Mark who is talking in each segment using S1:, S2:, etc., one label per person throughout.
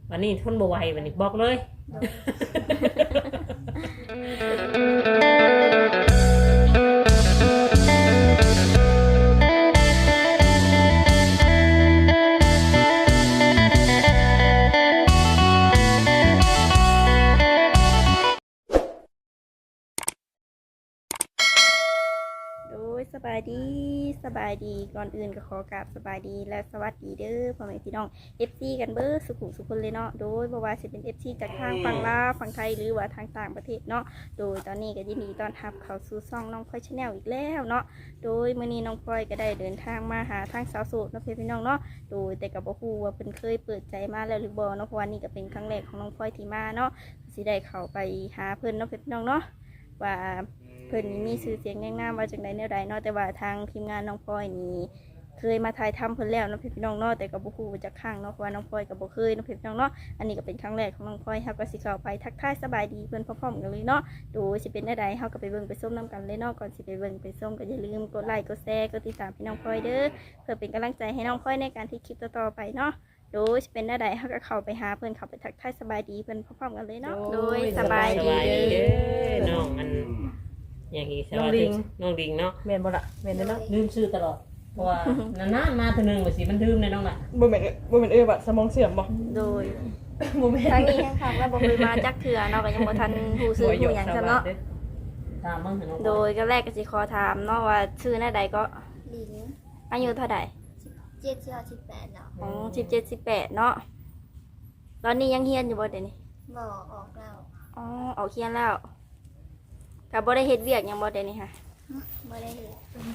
S1: วันนี้ทนบ่ไหววันนี้บอกเลย
S2: โดยสบายดีก่อนอื่นก็ขอกราบสบายดีและสวัสดีเด้อพ่อแม่พี่น้อง FC กันเบ้อสุขุสุคนเลยเนาะโดยบ่ว่าสิเป็น FC จากทางฝั่งลาวฝั่งไทยหรือว่าทางต่างประเทศเนาะโดยตอนนี้ก็ยินดีต้อนรับเข้าสู่ช่องน้องพลอยชาแนลอีกแล้วเนาะโดยมื้อนี้น้องพลอยก็ได้เดินทางมาหาทางสาวโสดเนาะพี่น้องเนาะโดยแต่ก็บ่ฮู้ว่าเพิ่นเคยเปิดใจมาแล้วหรือบ่เนาะเพราะว่านี่ก็เป็นครั้งแรกของน้องพลอยที่มาเนาะสิได้เข้าไปหาเพิ่นเนาะพี่น้องเนาะว่าเพิ่นมีชื่อเสียงแน่งามว่าจังใดแนวใดเนาะแต่ว่าทางทีมงานน้องพลอยนี่เคยมาถ่ายทำเพิ่นแล้วเนาะพี่น้องเนาะแต่ก็บ่ฮู้ว่าจักครั้งเนาะเพราะว่าน้องพลอยก็บ่เคยเนาะพี่น้องเนาะอันนี้ก็เป็นครั้งแรกของน้องพลอยเฮาก็สิเข้าไปทักทายสบายดีเพิ่นพร้อมๆกันเลยเนาะโดยสิเป็นแนวใดเฮาก็ไปเบิ่งไปชมนํกันเลยเนาะก่อนสิไปเบิ่งไปชมก็อย่าลืมกดไลค์กดแชร์กดติดตามพี่น้องพลอยเด้อเพื่อเป็นกำลังใจให้น้องพลอยในการที่คลิปต่อๆไปเนาะโดยสิเป็นแนวใดเฮาก็เข้าไปหาเพิ่นเข้าไปทักทายสบายดีเพิ่นพร้อมๆกันเลยเนาะโดยสบายดี
S1: เด้อน้องมันอย่างอีกน้องดิงเนาะ
S3: แม่นบ่ล่ะแม่นเด้อเนาะ
S1: ลืมชื่อตลอดเพราะว่านานๆมาทีนึงว่าสิมันลืมเลยน้องล่ะ
S3: บ่แม่นบัดสมองเสื่อมบ่
S2: โดย
S3: บ่แม่น
S2: ทางนี้แห่งครั้งแล้วบ่เคยมาจักเทื่อเนาะก็ยังบ่ทันฮู้ชื่อฮู้หยังซะเนาะ
S1: ตามบ้างเถอะน้อง
S2: โดยก็แรกก็สิขอถามเนาะว่าชื่อหน้าใดก็
S4: ลิง
S2: อายุเท่าใด
S4: 17-18เนาะ
S2: อ๋อ17 18เนาะตอนนี้ยังเรียนอยู่บ่เดี๋ยวนี้
S4: บ่ออกแล้ว
S2: อ๋อออกเรียนแล้วก็บ่ได้เฮ็ดเวียกหยังบ่เดี๋ยวนี้ค่ะ
S4: บ่ได้เฮ็ด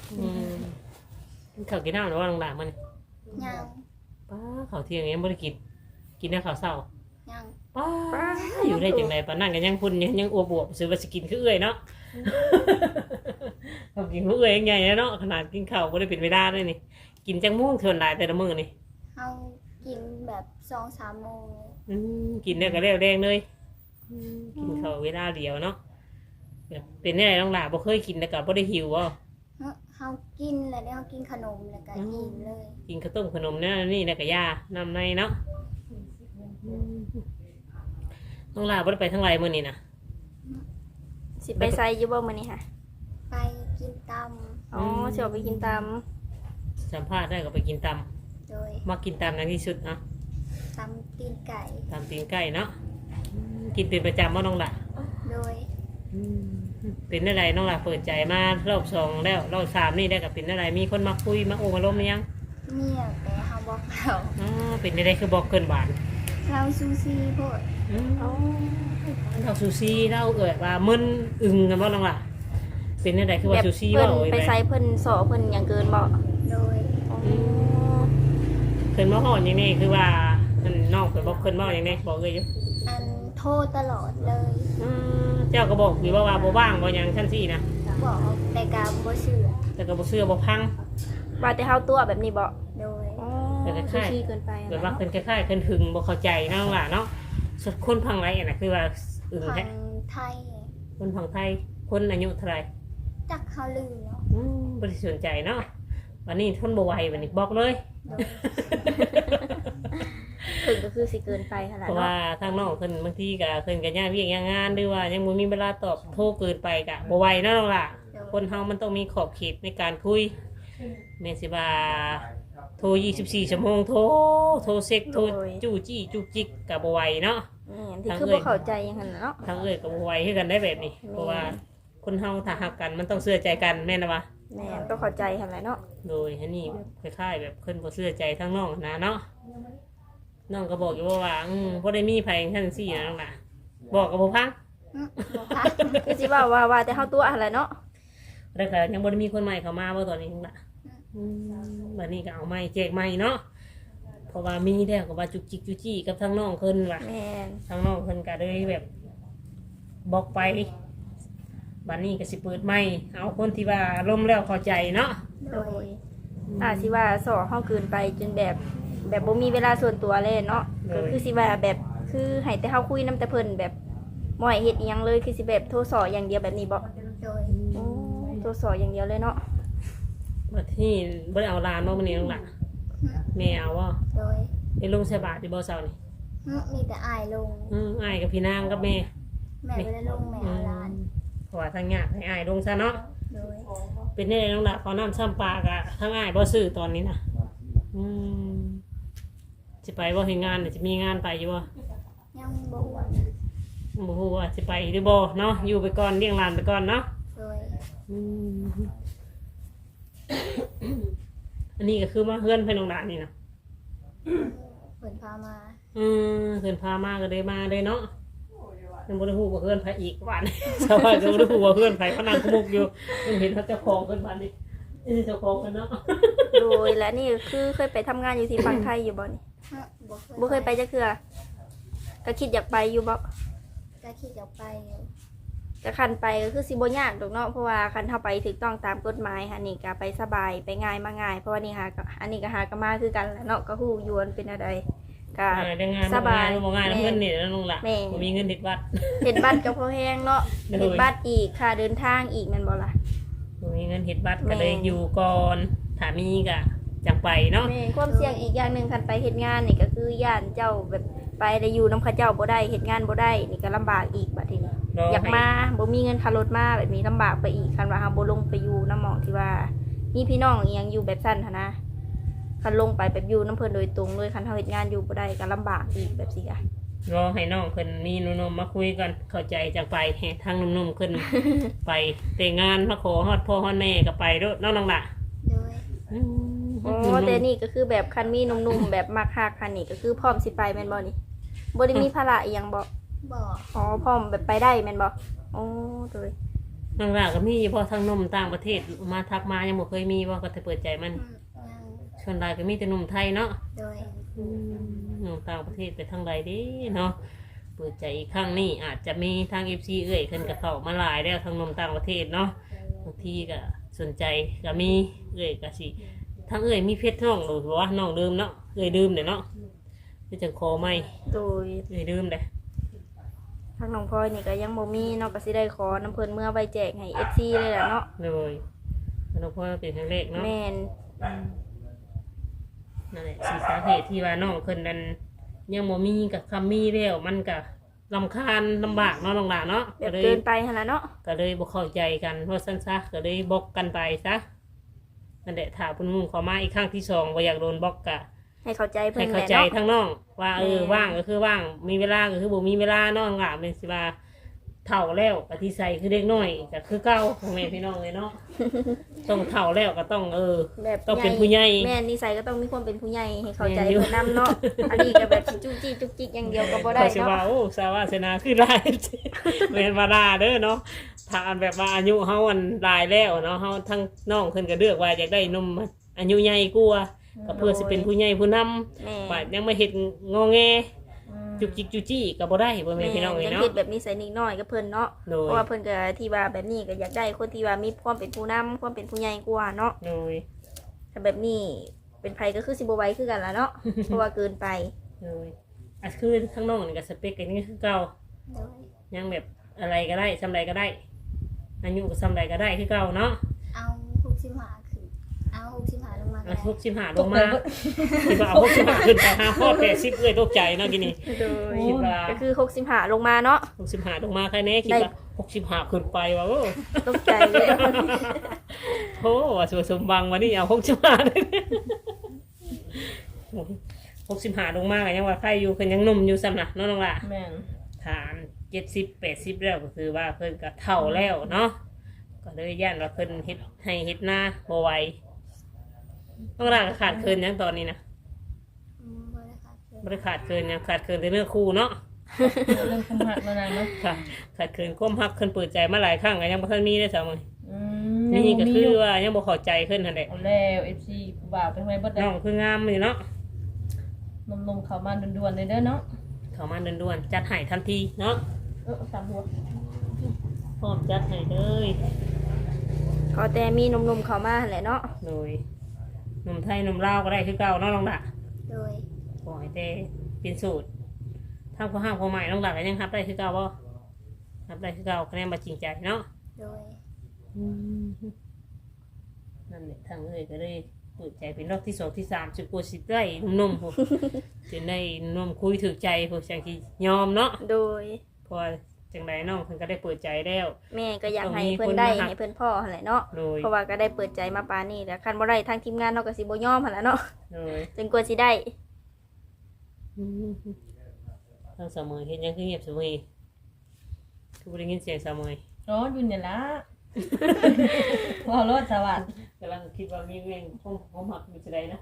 S1: ข้าวกินน้ำหรือว่าน้องล่ะมัน
S4: ยัง
S1: ป้าข้าวเที่ยงยังบ่ได้กินได้ข้าวเช้า
S4: ยัง
S1: ป้าอยู่ได้จังไดปานนั้นก็ยังพุ่นยังอวบๆซื้อว่าสิกินคือเอื้อยเนาะ เอากินคือเอื้อยยังใหญ่เนาะขนาดกินข้าวบ่ได้เป็นเวลาเลยนี่กินจังม่วงเท่าหลายแต่ละมื้อนี่
S4: เฮากินแบบ2-3โมง
S1: กินได้ก็แล้วแดงเลยกินข้าวเวลาเดียวเนาะแบบเป็นได้น้องล่ะบ่เคยกินแล้วก็บ่ได้หิวบ่
S4: เฮากินแล้วเฮากินขนมแล้วก็อิ่มเลย
S1: กินข้าวต้มขนมเนี่ยนี่แล้วก็ยานำในเนาะน้องล่ะบ่ได้ไปทางไรมื้อนี้นะ
S2: สิไปไสอยู่บ่มื้อนี้ค่ะ
S4: ไปกินตำ
S2: อ๋อสิออกไปกินตาม
S1: สัมภาษณ์ได้ก็ไปกินต
S4: โดย
S1: ำมากินตำในที่สุดเนาะ
S4: ตำตีนไก่
S1: ตำตีนไก่เนาะกินเป็นประจำว่าน้องล่ะ
S4: โดย
S1: เป็นอะไรน้องล่ะเปิดใจมารอบสองแล้วรอบสามนี่ได้กับเป็นอะไรมีคนมาคุยมาโอ้มาล้มหรือยัง
S4: เมียแต่เฮาบอกเขา
S1: อ๋อเป็นอะไรคือบอกเกินหวาน
S4: เราซูซี่โพด
S2: อ๋อ
S1: เราซูซีเราเอ่ยว่ามึนอึงกันว่าน้องล่ะเป็นอะไรคือว่าซูซี
S2: เพิ่
S1: ว่าน โอ้ย
S2: ไปไสเพิ่นสอเพิ่นหยังเกินบ่
S4: โดย
S2: อ๋อ
S1: เพิ่นมาห่อนอย่างนี้คือว่ามันนอกเพิ่นบอกเพิ่นบอกอย่างนี้บอกเลยอยู่
S4: อันโทษตลอดเลย
S1: เจ้าก็บอกอยู่ว่าบ่ว่างบ่หยังชั้นสี่นะ
S4: บอกแต่กาบ่เชื่อ
S1: แต่ก็บ่เชื่อบ่พัง
S2: ว่าแต่เฮาตัวแบบนี้บ่
S4: โดย
S2: อ๋อ
S1: แต่คล้ายๆ
S2: ขี้เกินไป
S1: เกิดว่าเพิ่นคล้ายๆเพิ่นหึงบ่เข้าใจนะน้องล่ะเนาะส่วนคนพังไรอ่ะนะคือว่าอึง
S4: ทา
S1: แท้
S4: งไทย
S1: คนพังไทยคนอายุเท่าไหร่
S4: จักเขาลืมเนาะ
S1: บ่ได้สนใจเนาะวันนี้ทนบ่ไหววันนี้บอกเลย
S4: โดย
S2: ถึงก็คือสิเกินไปหั่น
S1: เพ
S2: ล่ะ
S1: ราะ
S2: เนาะ
S1: ว่าทางน้องเพิ่นบางทีก็เพิ่นก็ย่างเวียกย่างงานหรือว่ายังบ่มีเวลาตอบโทรเกินไปก็บ่ไหวเนาะน้องล่ะคนเฮามันต้องมีขอบเขตในการคุยแม่นสิว่าโทร24ชั่วโมงโทรเซ็กโทรจู้จี้จุกจิกก็บ่ไหวเนาะ
S2: นี่ที่คือบ่เข้าใจหยังหั่นน่ะเนาะ
S1: ทางเอ้ยก็บ่ไหวคือกันได้แบบนี้เพราะว่าคนเฮาถ้าหักกันมันต้องเชื่อใจกันแม่นนะวะ
S2: แม่นต้องเข้าใจหั่นแหละเนาะ
S1: โดยอันนี้คล้ายๆแบบเพิ่นบ่เชื่อใจทั้งน้องนะเนาะน้องก็บอกอยู่ว่าบ่ได้มีไผจังซี่นะน้องน่ะบอกก็บ่ฟัง
S4: บอกค่ะ
S2: คือสิว่าแต่เฮาตัวหั่นแหละเนาะ
S1: แล้วก็ยังบ่ได้มีคนใหม่เข้ามาบ่ตอนนี้น้องน่ะบัดนี้ก็เอาใหม่แจกใหม่เนาะเพราะว่ามีแล้วก็ว่าจุกจิกจุกจี้กับทั้งน้องเพิ่นว่ะ
S2: แม่น
S1: ทั้งน้องเพิ่นก็เลยแบบบอกไปบัดนี้ก็สิเปิดใหม่เอาคนที่ว่าล้มแล้วเข้าใจเนาะ
S2: โดยสิว่าสอเฮาเกินไปจนแบบบ่มีเวลาส่วนตัวเลยเนาะก็คือสิว่าแบบคือให้แต่เฮาคุยนํแต่เพิ่นแบบบ่ให้เฮ็ดอีหยังเลยคือสิแบบโทรสออย่างเดียวแบบนี้บ่
S4: โดย
S2: โอ้โทรสออย่างเดียวเลยเนาะ
S1: บัดที่บ่ได้เอาหลานมามื้อนี้น้องล่ะแม่เอาว่า
S4: โดย
S1: ได้ลงใส่บาตรที่บ่เช้านี่
S4: มีแต่อายลง
S1: อ้ายกับพี่นางกับแม่
S4: แม่บ่ได้ลงแม่เอาหลาน
S1: เพราะว่าทางยากให้อ้ายลงซะเนาะ
S4: โดย
S1: เป็นได้น้องละเขาน้ำซ้ำปลากะทั้งอ้ายบ่ซื้อตอนนี้นะสิไปบ่เฮ็ดงานเดี๋ยวจะมีงานไปอยู่บ่
S4: ยังบ่อ้วน
S1: บ่ฮู้ว่าสิไปหรือบ่เนาะอยู่ไปก่อนเลี้ยงหลานไปก่อนเนาะ
S4: โดย
S1: อืม อันนี้ก็คือมาเฮือนเพิ่นน้องหลานนี่นะ
S4: เพิ่นพามา
S1: เพิ่นพามาก็เลยมาเลยเนาะยังบ่ได้ฮู้ว่าเฮือนไผอีกหวาน ชาวบ้านก็บ่ได้ฮู้ว่าเฮือนไผพนังขมุกอยู่ยังเห็นเขาเจ้าของเพิ่นบ้านนี่เจ้าของกันเนาะ
S2: โดยและนี่คือเคยไปทำงานอยู่ที่ฝั่งไทยอยู่บ่นี่ บ่เคยไปจักเทื่อก็คิดอยากไปอยู่บ่
S4: ก็คิดอยากไปอยู่
S2: ก็คันไปก็คือสิบ่ยากดอกเนาะเพราะว่าคันเฮาไปถูกต้องตามกฎหมายค่ะนี่ก็ไปสบายไปง่ายมาง่ายเพราะว่านี่หาก็อันนี้ก็หาก็มาคือกันแหละเนาะก็ฮู้อยู่มันเป็นอะไรก็
S1: ได้งาน
S2: สบาย
S1: บ่งานเพิ่นนี่แล้วน้องล่ะ
S2: แม่
S1: บ่มีเงินติดวัด
S2: เฮ็ดบัตรก็พอแฮงเนาะ
S1: โดย
S2: เฮ็ดบัตรอีกค่าเดินทางอีกแม่นบ่ล่ะ
S1: บ่มีเงินเฮ็ดบัตรก็เลย
S2: แม่
S1: อยู่ก่อนถ้ามีก็จังไปเนาะ
S2: แม่นความเสี่ยงอีกอย่างหนึงคันไปเฮ็ดงานนี่ก็คือย่านเจ้าแบบไปได้อยู่นำเขาเจ้าบ่ได้เฮ็ดงานบ่ได้นี่ก็ลำบากอีกบัดทีนี้
S1: รอ
S2: อยาก
S1: ให้
S2: มาบ่มีเงินค่ารถมาแบบนี้ลำบากไปอีกคันว่าเฮาบ่ลงไปอยู่น้ำหมองที่ว่ามีพี่น้องอีหยังอยู่แบบสั้นหันนะคันลงไปแบบอยู่น้ำเพิ่นโดยตรงเลยคันเฮาเฮ็ดงานอยู่บ่ได้ก็ลำบากอีกแบบสิอ่ะ
S1: รอให้น้องเพิ่นมีหนุ่มๆมาคุยกันเข้าใจจังไปให้ทางหนุ่มๆขึ้น ไปแต่งงานมาขอฮอดพ่อฮอดแม่ก็ไปเด้อน้องล่ะ
S4: โดย
S2: อ๋อแต่นี่ก็คือแบบคันมีหนุ่มๆแบบมักฮักคันนี่ก็คือพร้อมสิไปแม่นบ่นี่บ่ได้มีภาระอีหยังบ่
S4: บ่
S2: อ๋อพร้อมแบบไปได้แม่นบ่อ๋อโดย
S1: น้องล่ะก็มีเพราะทางหนุ่มต่างประเทศมาทักมายังบ่เคยมีว่าก็จะเปิดใจมัน
S4: ยัง
S1: ส่วนใหญ่ก็มีแต่หนุ่มไทยเนาะ
S4: โดย
S1: หนุ่มต่างประเทศไปทางใดเด้เนาะเปิดใจอีกครั้งนี้อาจจะมีทาง FC เอ้ยขึ้นกับเขามาหลายแล้วทางหนุ่มต่างประเทศเนาะบางทีก็สนใจก็มีเอ้ยก็สิทางเอ้ยมีเพชรน้องหรือว่าน้องดื่มเนาะเอ้ยดื่มเด้เนาะคือจังคอไม่
S2: โดย
S1: เอ้ยดื่มเด้
S2: ทางน้องพลอยนี่ก็ยังบ่มีเนาะก็สิได้ขอน้ำเพิ่นเมื่อไว้แจกให้ FC เลยล่ะเนาะ
S1: เลยน้องพ่อเป็นครั้งแรกเนาะ
S2: แม่น
S1: นั่นแหละสิสาเหตุที่ว่าน้องเพิ่นนั้นยังบ่มีกับคำมีแล้วมันก็รำคาญลำบากเนาะน้องหลานเนาะ
S2: แบ
S1: ก็
S2: บ
S1: เลย
S2: เกินไปหั่นล่ะเนาะ
S1: ก็เลยบ่เข้าใจกันเพราะซั่นซะก็เลยบล็อกกันไปซะนั่นแหละถ้าเพิ่นมุ่งเข้ามาอีกครั้งที่สองบ่อยากโดนบล็อกก็
S2: ให้เข้าใจเพิ่
S1: ให้
S2: นแห
S1: เข้า
S2: ละ
S1: ใจ
S2: เนาะ
S1: ทั้งน้องว่า
S2: แม่
S1: ว่างก็คือว่างมีเวลาก็คือบ่มีเวลาเนาะน้องหลานเป็นสิว่าเฒ่าแล้วก็ที่ใส่คือเด็กน้อยก็คือเก่าพ่อแม่พี่น้องเลยเนาะ ต้องเฒ่าแล้วก็ต้อง
S2: แบบ
S1: ต้องเป็นผู้ใหญ่
S2: แม่นนิสัยก็ต้องมีความเป็นผู้ใหญ่ให้เข้าใจ
S1: แม่นอยู่
S2: เพิ่นนํเนาะอันนี้ก็แบบสิจุกจิกจุกจิกอย่างเดียวก็บ่ได้
S1: เขาสิว่า
S2: เนาะ
S1: โอ้สาวาสนาคือได้ เรียนมาดาเด้อเนาะถ้าอันแบบว่าอายุเฮาอันหลายแล้วเนาะเฮาทั้งน้องเพิ่นก็เลือกว่าอยากได้หนุ่มอายุใหญ่กว่าก็เพื่อสิเป็นผู้ใหญ่ผู้นำ
S2: แม่
S1: ว่ายังไม่เฮ็ดงอแงจุกจิกจุจี้ก็บ่ได้บ่แม่นพี่น้องเอ้ย
S2: ยัง
S1: เนาะ
S2: คิดแบบนิสัยนิดน้อยกับเพิ่นเนาะ
S1: โด
S2: เพ
S1: ย
S2: ราะว่าเพิ่นก็ที่ว่าแบบนี้ก็อยากได้คนที่ว่ามีความเป็นผู้นำความเป็นผู้ใหญ่กว่าเนาะ
S1: โดย
S2: แต่แบบนี้เป็นไผก็คือสิบ่ไหวคือกันล่ะเนาะ เพราะว่าเกินไป
S1: โดยอ่ะคือทั้งน้องนี่ก็สเปคกันนี่คือเก่า
S4: โดย
S1: ยังแบบอะไรก็ได้ซำใดก็ได้อายุก็ซำใดก็ได้คือเก่าเนาะ
S4: เอา65ขึ้นเอา65ลงมาก็
S1: อ่ะ
S4: ได้
S1: 65ลงมาสิว่าเอา65ขึ้นไป5ข้อ80เอ้ยตกใจเนาะกินนี่
S2: โดย
S1: คิดว่า
S2: ก็คือ65ลงมาเนาะ
S1: 65ลงมาใครแน่คิดว่า65ขึ้นไปว่าโอ้
S2: ตกใจเลย
S1: โหว่าสวยสมบังวันนี้เอา65เลย65ลงมาก็ยังว่าใครอยู่เพิ่นยังหนุ่มอยู่ซ้ำน่ะเนาะน้องล่ะ
S3: แม่น
S1: ฐาน70-80แล้วก็คือว่าเพิ่นก็เฒ่าแล้วเนาะก็เลยย่านว่าเพิ่นเฮ็ดให้เฮ็ดหน้าบ่ไหวน้องล่ะก็ขาดเคินหยังตอนนี้นะ
S4: บ่ได้ค่ะเพิ่น
S1: บ่ได้ขาดเคินหยังขาดเคินแต่เนื้อคู่เนาะ
S3: เรื่องคุมหักแล้วนะเนาะ
S1: ค่ะขาดเคินความฮักเพิ่นเปิดใจมาหลายครั้งก็ยังบ่ทันมีได้ซะมื้อ
S3: ยัง
S1: นี่ก็
S3: มี
S1: คือ
S3: อยู่
S1: ว่ายังบ่เข้าใจขึ้นนั่นแหละ
S3: เอาแล้ว FC ผู้บ่าวเป็นไงบ่ได้
S1: น้องคืองามอยู่เนาะ
S3: นมๆเข้ามาด่วนๆเลยเด้อเนาะ
S1: เข้ามาด่วนๆจัดให้ทันทีเนาะ
S3: เอาตามหัว
S1: พร้อมจัดให้เลย
S2: ก็แต่มีหนุ่มๆเข้ามาหั่นแหละเนาะ
S1: โดยหนุ่มไทยหนุ่มลาวก็ได้คือเก่าเนาะน้องดะ
S4: โดย
S1: ขอให้แต่เป็นสูตรทางผู้ห้ามผู้ใหม่น้องดะก็ยังรับได้คือเก่าบ่รับได้คือเก่าคะแนนบ่จริงใจเนาะ
S4: โดย
S1: นั่นแหละทางเอ้ยก็เลยเปิดใจเป็นรอบที่2ที่3สิกว่าสิได้หนุ่มๆพวกจะได้หนุ่มคุยถูกใจพวกจังที่ยอมเนาะ
S2: โดย
S1: เพราะว่าจังไดน้องเพิ่นก็ได้เปิดใจแล้ว
S2: แม่ก็อยากให้เพิ่นได้ให้เพิ่นพ่อหั่นแหละเนาะ
S1: โดย
S2: เพราะว่าก็ได้เปิดใจมาปานนี้แล้วคันบ่ได้ทางทีมงานเฮาก็สิบ่ยอมหั่นแหละเนาะ
S1: โดย
S2: จนกว่าสิได้
S1: ทางสามมือเห็นยังคือเงียบสามมือคือบ่ได้ยินเสียงสามมือ
S3: ร้อนอยู่เนี่ยละ ว่ารถสวัสดิ์
S1: กำลังคิดว่ามีแม่งห้องหักมีจะได้นะ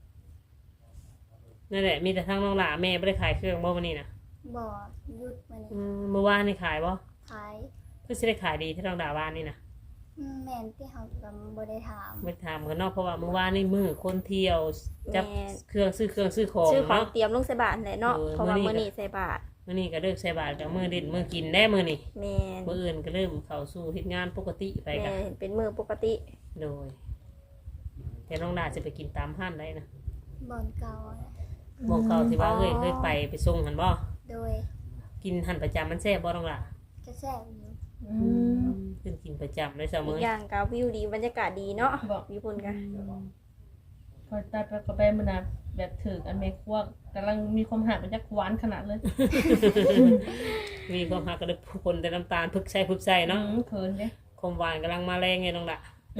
S1: นั่นแหละมีแต่ทางน้องหล่าแม่ไม่ได้ขายเครื่องบ่วันนี้นะ
S4: บ่หยุดมัน
S1: เมื่อวานนี่ขายบ่
S4: ขาย
S1: เพื่อจะได้ขายดีที่น้องด่าบ้านนี่นะ
S4: แม่นที่เฮาก็บ่ได้ถาม
S1: ไม่ถามกันเนอกเพราะว่าเมื่อวานนี่มือคนเที่ยวจับ
S2: แม่
S1: เครื่องซื้อของ
S2: ชื่อของ
S1: เนาะ
S2: เตรียมลงใส่บาทแหละเนาะ
S1: เออ
S2: เพราะว่า
S1: มื้
S2: มื้
S1: อ
S2: อ
S1: นี้
S2: นี้ใส่บาท
S1: มื้อนี้ก็เลิกใส่บาตรกับมือเด่นมือกินได้มือนี่
S2: แม่น
S1: มื้ออื่นก็เริ่มเข้าสู่เฮ็ดงานปกติไป
S2: แม่
S1: กัน
S2: นเป็นมื้อปกติ
S1: โดยแต่น้องด่าจะไปกินตามห้านได้นะ
S4: บ่อนเก่านะ
S1: บอกเขาที่ว่าเคยไปส่งหันบ่
S4: โดย
S1: กินหันประจำมันแซ่บบ่น้องด่า
S4: จะแซ่บอยู่
S1: ขึ้นกินประจำเลยเสม
S2: อี
S1: อ
S2: กอย่างก็วิวดีบรรยากาศดีเนาะ
S3: บอก
S2: ญี่ปุ่นกัน
S3: พอตายไปก็ไปมันนะแบบถึกอันเมฆวกกำลังมีความหักมันจะหวานขนาดเลย
S1: มีความหักก็เลยคนแต่น้ำตาลพึกใส่เนาะ
S3: เขินเด้
S1: ความหวานกำลังมาแรงไงน้องละ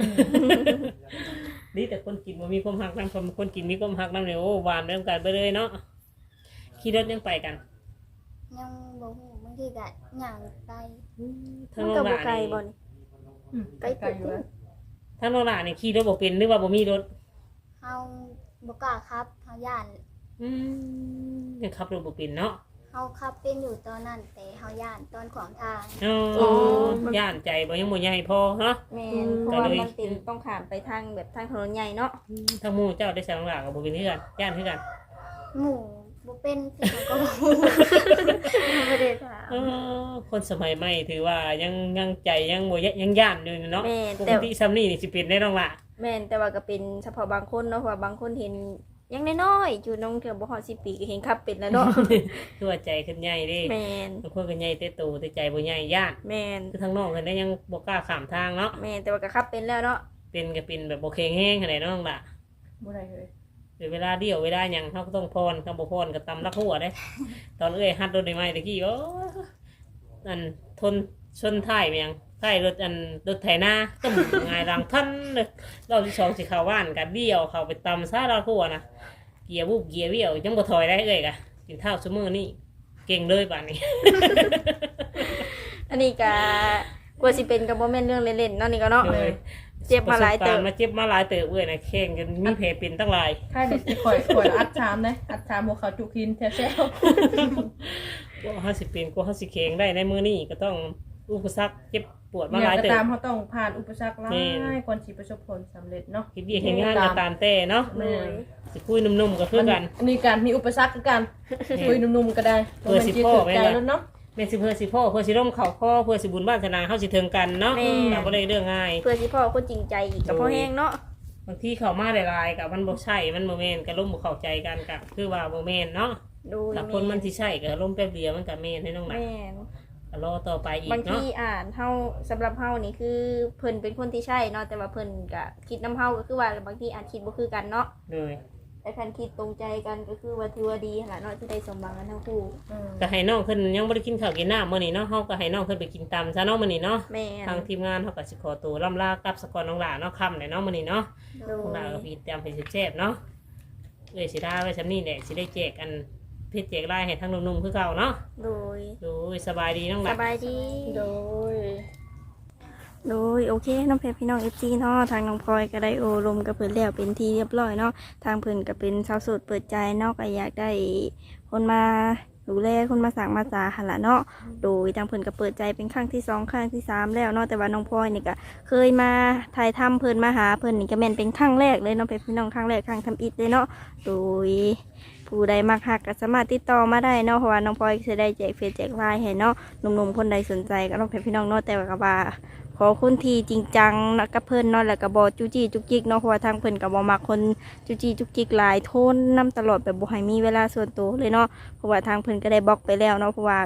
S1: นี่แต่คนกินมันมีความหักน้ำคนกินมีความหักน้ำเนี่ยโอ้หวานเริ่มกันไปเลยเนาะขี่รถยังไปกัน
S4: ยังบ่ฮู้บางทีก็ย่างไป
S1: ทั้ง
S2: มัน
S1: น้
S2: ก็
S1: อง
S2: บ่
S1: ละ
S2: ไกล
S1: นี่
S2: บ่นี่
S3: ไกลอยู่แล้ว
S1: ทั้งน้องละนี่ขี่รถบ่เป็นหรือว่าบ่มีรถ
S4: เฮาบ่กล้าครับเฮาย่าน
S1: ยังขับรถบ่เป็นเนาะ
S4: เฮาขับเป็นอยู่ตอนนั้นแต่เฮาย่านตอนขวางทาง
S1: อ๋อย่านใจบ่ยังบ่ใหญ่พอเนาะ
S2: แม่นเพราะว่า
S1: ก็เลย
S2: มันเป็นต้องข้ามไปทางแบบทางถนนใหญ่เนาะ
S1: ทั้งหมู่เจ้าได้สั่งหลากับบ่เป็นเฮือนย่านคือกัน
S4: หมู่บ่เป็นคือเขาก็บ่ฮู้
S2: บ่ได้ถาม
S1: คนสมัยใหม่ถือว่ายังใจยังบ่ยังย่านอยู่เนาะ
S2: แม่น
S1: ปก
S2: แต่
S1: ติซัมนี่นี่สิเป็นได้น้องละ
S2: แม่นแต่ว่าก็เป็นเฉพาะบางคนเนาะเพราะว่าบางคนเห็นยังน้อยๆอยู่น้องเถื่อบ่ฮอด10 ปีก็เห็นขับเป็นแล้วเนาะ
S1: คือว่าใจขึ้นใหญ่เด้
S2: แม่น
S1: บางคนก็ใหญ่แต่โตแต่ใจบ่ใหญ่ย่าน
S2: แม่น
S1: คือทางนอกเพิ่นได้ยังบ่กล้าข้ามทางเนาะ
S2: แม่นแต่ว่าก็ขับเป็นแล้วเนาะ
S1: เป็นก็เป็นแบบบ่แข็งแรงขนาดน้องล่ะ
S3: บ่ได้เลย
S1: หรือเวลาเดียวเวลาหยังเฮาก็ต้องพรคำบ่พรก็ตำลักหัวเด้ ตอนฮัดรถใหม่ๆตะกี้โอ้อันทนชนท้ายแม่งท้ายรถรถไถนาตึ้มหงายหลังทันเลยรอบที่2สิเข้าบ้านก็เดียวเข้าไปตำซาลักหัวนะเกียร์บุบเกียร์เบี้ยวยังบ่ถอยได้กะกินข้าวซุมื้อนี่เก่งเลยบัดนี้
S2: อันนี้ก็กลัวสิเป็นก็บ่แม่นเรื่องเล่นๆเนาะนี่ก็เนาะ
S1: เลย
S2: เจ็บมาหลายเติบ
S1: ประสบกรณ์มาเจ็บมาหลายเติบเว้ยนะแข่งจนมีแผลเป็นตั้งหลาย
S3: ค่ายเด็กข่อยอัดชามนะอัดชามหัวเขาจุกินแท้
S1: กว่า50เป็นกว่า50แข็งได้ในมื้อนี้ก็ต้องอุปสรรคเจ็บปวด
S3: ๆ
S1: มา
S3: อ
S1: ห
S3: ย่า
S1: ลาย
S3: งก็
S1: เติบ
S3: ตามเขาต้องผ่านอุปสรรคหลา
S1: แม่น
S3: ยก่อนสิประสบผลสำเร็จเนาะ
S1: คิดดีเห็นงานก็ตามแต่เนาะ
S3: แม่
S1: สิคุยนุ่มๆก็คือกัน
S3: อันนี้การมีอุปสรรคคือกันคุยหนุ่มๆก็ได้
S1: เพื่อสิพ่อไว้
S3: ใจ
S1: ล่ะ
S3: แล้วเนาะ
S1: แม่นสิเพื่อสิพ่อเพื่อสิร่มเข่าข้อเพื่อสิบุญบ้านธนาเฮาสิถึงกันเนาะแต่บ่ได้เรื่องง่าย
S2: เพื่อสิพ่อคนจริงใจอีกก็พอแห้งเนาะ
S1: บางทีเข้ามาหลายๆกับมันบ่ใช่มันบ่แม่นก็ล่มบ่เข้าใจกันก็คือว่าบ่แม่นเนาะ
S2: ดู
S1: ถ้าคนมันสิใช่ก็ล่มแป๊บเดียวมันก็แม่นให้น้องหลาน
S2: แม่น
S1: ก็รอต่อไปอีก
S2: บางที
S1: เนาะ
S2: อ่านเฮาสำหรับเฮานี่คือเพิ่นเป็นคนที่ใช่เนาะแต่ว่าเพิ่นก็คิดนำเฮาก็คือว่าบางทีอาจคิดบ่คือกันเนาะ
S1: เลย
S2: แต่คันคิดตรงใจกันก็คือว่าถือว่าดีหั่นล่ะเนาะที่ได้สมหวังกันทั้งคู่
S1: ก็ให้น้องเพิ่นยังบ่ได้กินข้าวกินน้ำมื้อนี้เนาะเฮาก็ให้น้องเพิ่นไปกินตำซะเนาะมื้อนี้เนาะ
S2: แม่น
S1: ทางทีมงานเฮาก็สิขอตัวล่ำลากลับสกอนน้องหลานเนาะค่ำเลยเนาะมื้อนี้เนาะ
S2: โด
S1: น้องหลาน
S2: ย
S1: ก็พี่เตรียมให้แซ่บๆเนาะสิได้ไว้ซำนี้แหละสิได้แจกอันเพชรแจกลายให้ทั้งหนุ่มๆคือเก่าเนาะ
S2: โดย
S1: โอ้ยสบายดีน้องห
S2: ส
S1: ลาน
S2: บายดี
S3: โดย
S2: โดยโอเคน้องเพชรพี่น้อง FC เนาะทางน้องพลอยก็ได้โอลมกับเพิ่นแล้วเป็นที่เรียบร้อยเนาะทางเพิ่นก็เป็นชาวโสดเปิดใจเนาะก็อยากได้คนมาดูแลคนมาสั่งมาสาหั่นล่ะเนาะโดยทางเพิ่นก็เปิดใจเป็นครั้งที่2ครั้งที่3แล้วเนาะแต่ว่าน้องพลอยนี่ก็เคยมาถ่ายทำเพิ่นมาหาเพิ่นนี่ก็แม่นเป็นครั้งแรกเลยเนาะเพชรพี่น้องครั้งแรกครั้งทำอิฐเลยเนาะโดยผู้ใดมักฮักก็สามารถติดต่อมาได้เนาะเพราะว่าน้องพลอยจะได้แจกเฟซแจกไลน์ให้เนาะหนุ่มๆคนใดสนใจก็น้องเพชรพี่น้องเนาะแต่ว่าก็ว่าขอคนที่จริงจังนะกับเพิ่นเนาะแล้วก็บ่จู้จี้จุกจิกเนาะเพราะว่าทางเพิ่นก็บ่มักคนจู้จี้จุกจิกหลายโทนนํตลอดแบบบ่ให้มีเวลาส่วนตัวเลยเนาะเพราะว่าทางเพิ่นก็ได้บล็อกไปแล้วเนาะเพราะว่า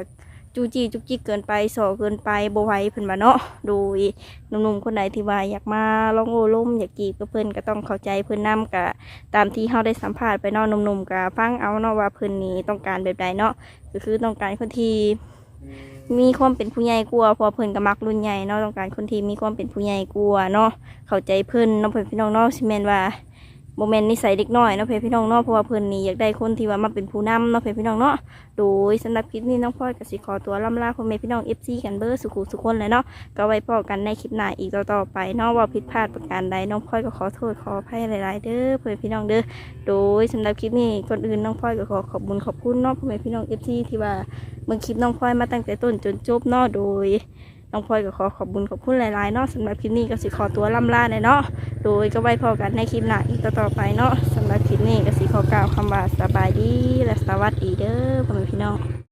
S2: จูจี้จุกจิกเกินไปสอเกินไปบ่ไหวเพิ่นว่าเนาะโดยหนุ่มๆคนไหนที่ว่าอยากมาลองโอ้ล้มอยากจีบกับเพิ่นก็ต้องเข้าใจเพิ่นนำกะตามที่เฮาได้สัมภาษณ์ไปเนาะหนุ่มๆก็ฟังเอาเนาะว่าเพิ่นนี่ต้องการแบบใดเนาะก็คือต้องการคนที่มีความเป็นผู้ใหญ่กว่าเพอเพิ่นก็มักรุ่นใหญ่เนาะต้องการคนที่มีความเป็นผู้ใหญ่กว่าเนาะเข้าใจเพิ่นเนาะเพิ่นพี่น้องเนาะสิแม่นว่าโมเมนต์นิสัยเด็กน้อยเนาะเพื่อนพี่น้องเนาะเพราะว่าเพิ่นนี่อยากได้คนที่ว่ามาเป็นผู้นำเนาะเพื่อนพี่น้องเนาะโดยสำหรับคลิปนี้น้องพลอยก็สิขอตัวล่ำลาพ่อแม่พี่น้อง FC กันเบอร์สุขุสุขคนเลยเนาะก็ไว้พบกันในคลิปหน้าอีกต่อๆไปเนาะว่าผิดพลาดประการใดน้องพลอยก็ขอโทษขออภัยหลายๆเด้อเพื่อนพี่น้องเด้อโดยสำหรับคลิปนี้ก่อนอื่นน้องพลอยก็ขอขอบคุณเนาะพ่อแม่พี่น้อง FC ที่ว่าเบิ่งคลิปน้องพลอยมาตั้งแต่ต้นจนจบเนาะโดยน้องพลอยก็ขอขอบคุณหลายๆเนาะสำหรับคลิปนี้ก็สิขอตัวล่ำลาเลยเนาะโดยก็ไว้พอกันในคลิปหน้าอีกต่อๆไปเนาะสำหรับคลิปนี้ก็สิขอกล่าวคำว่าสบายดีและสวัสดีเด้อพ่อแม่พี่น้อง